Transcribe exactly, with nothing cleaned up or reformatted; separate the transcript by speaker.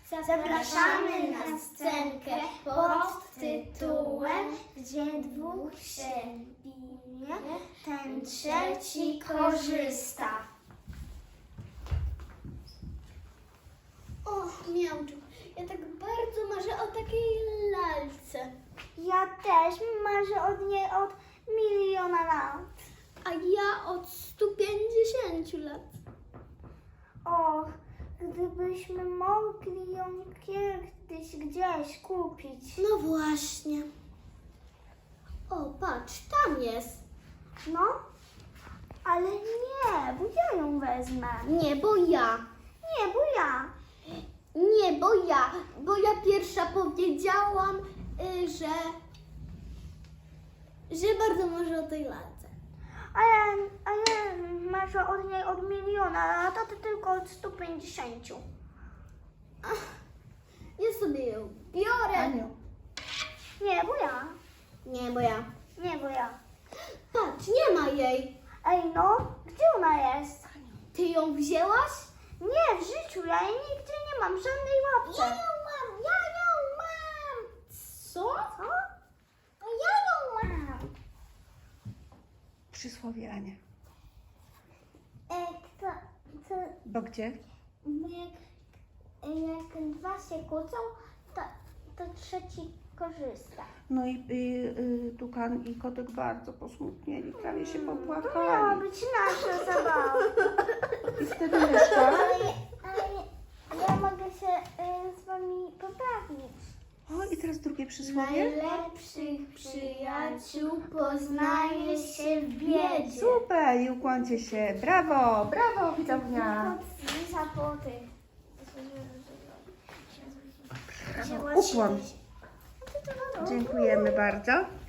Speaker 1: Zapraszamy na scenkę pod tytułem Gdzie dwóch się bije, ten trzeci korzysta. O, miałczu, ja tak bardzo marzę o takiej lalce.
Speaker 2: Ja też marzę od niej od miliona lat.
Speaker 1: A ja od stu pięćdziesięciu lat.
Speaker 2: Och, gdybyśmy mogli ją kiedyś gdzieś kupić.
Speaker 1: No właśnie. O, patrz, tam jest.
Speaker 2: No, ale nie, bo ja ją wezmę.
Speaker 1: Nie, bo ja.
Speaker 2: Nie, bo ja.
Speaker 1: Nie, bo ja. Bo ja pierwsza powiedziałam, y, że... że bardzo marzę o tej lalce.
Speaker 2: A ja, a ja marzę od niej od miliona lat, a ty tylko od stu pięćdziesięciu.
Speaker 1: Ja sobie ją biorę.
Speaker 2: Nie, bo ja.
Speaker 1: Nie, bo ja.
Speaker 2: Nie, bo ja.
Speaker 1: Patrz, nie ma jej.
Speaker 2: Ej, no, gdzie ona jest?
Speaker 1: Ty ją wzięłaś?
Speaker 2: Nie, w życiu, ja jej nigdzie nie mam, w żadnej łapce.
Speaker 1: Ja ją mam, ja ją mam. Co?
Speaker 2: Co?
Speaker 1: No ja ją mam.
Speaker 3: Przysłowie, Ania.
Speaker 2: E, to, to,
Speaker 3: Bo gdzie?
Speaker 2: jak, jak dwa się kłócą, to, to trzeci korzysta.
Speaker 3: No i y, y, Tukan i Kotek bardzo posmutnieli, prawie się
Speaker 2: To miała
Speaker 3: popłakali.
Speaker 2: być nasza zabawa.
Speaker 3: I wtedy Myszka,
Speaker 2: Ale, ale ja mogę się y, z wami pobawić.
Speaker 3: o i teraz drugie przysłowie.
Speaker 1: Najlepszych przyjaciół poznaje się w biedzie.
Speaker 3: Super, i ukłoncie się. Brawo, brawo widownia.
Speaker 2: Zapoty.
Speaker 3: Ukłon. Dziękujemy bardzo.